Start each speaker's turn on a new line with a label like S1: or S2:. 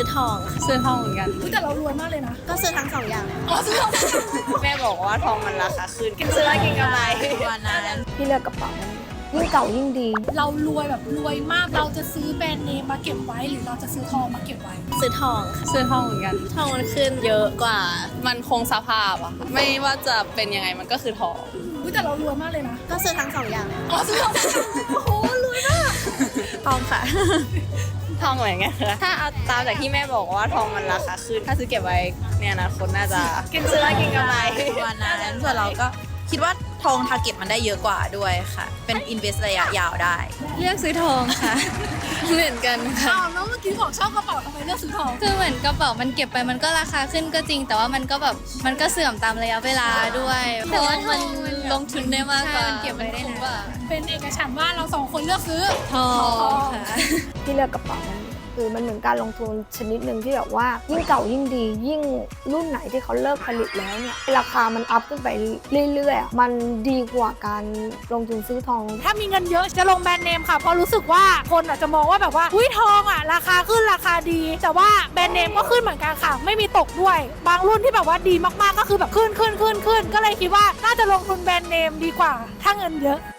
S1: ซื้อทอง
S2: ซื้อทองเหมือนกัน
S3: แต่เรารวยมากเลยนะ
S1: ก็ซื้อทั้ง2 อย่างเลย
S3: ซื้อทอง
S1: แม่บอกว่าทองมันราคาขึ้นซื้อแล้วกินกำไรวันนั้น
S4: พี่เลือกกระเป๋ายิ่งเก่ายิ่งดี
S3: เรารวยแบบรวยมากเราจะซื้อแบรนด์เนมมาเก็บไว้หรือเราจะซื้อทองมาเก็บไว้
S1: ซื้อทอง
S2: ซื้อทองเหมือนกัน
S1: ทองมันขึ้นเยอะกว่า
S2: มันคงสภาพอะค่ะไม่ว่าจะเป็นยังไงมันก็คือทอง
S3: แต่เรารวยมากเลยนะ
S1: ก็ซื้อทั้ง2 อย่างเลย
S3: ซื้อทองโอ้โหรวยมาก
S1: ทองค่ะทองเหมือนกันค่ะถ้าเอาตามจากที่แม่บอกว่าทองมันราคาขึ้นถ้าซื้อเก็บไว้เนี่ยนะคนน่าจะซื้อแล้วกินกำไร
S5: วันนั้นส่วนเราก็คิดว่าทองทาร์เก็ตมันได้เยอะกว่าด้วยค่ะเป็นอินเวสระยะยาวได้
S2: เลือกซื้อทองค่ะ เหมือนกันค่ะ
S3: แล้วเมื่อกี้บอกชอบกระเป๋าทำไมเลือกซื้อทอง
S2: คือเหมือนกระเป๋ามันเก็บไปมันก็ราคาขึ้นก็จริงแต่ว่ามันก็แบบมันก็เสื่อมตามระยะเวลาด้วยเพราะว่ามันลงทุนได้มากกว่าเก็บมันได้นาน
S3: เป็นเอกฉันท์ว่าเรา2 คนเลือกซื้อ
S2: ทองค่ะ
S4: ที่เลือกกระเป๋าคือมันเหมือนการลงทุนชนิดหนึ่งที่แบบว่ายิ่งเก่ายิ่งดียิ่งรุ่นไหนที่เขาเลิกผลิตแล้วเนี่ยราคามันอัพขึ้นไปเรื่อยๆมันดีกว่าการลงทุนซื้อทอง
S3: ถ้ามีเงินเยอะจะลงแบรนด์เนมค่ะเพราะรู้สึกว่าคนอาจจะมองว่าแบบว่าอุ้ยทองอ่ะราคาขึ้นราคาดีแต่ว่าแบรนด์เนมก็ขึ้นเหมือนกันค่ะไม่มีตกด้วยบางรุ่นที่แบบว่าดีมากๆก็คือแบบขึ้นก็เลยคิดว่าน่าจะลงทุนแบรนด์เนมดีกว่าถ้าเงินเยอะ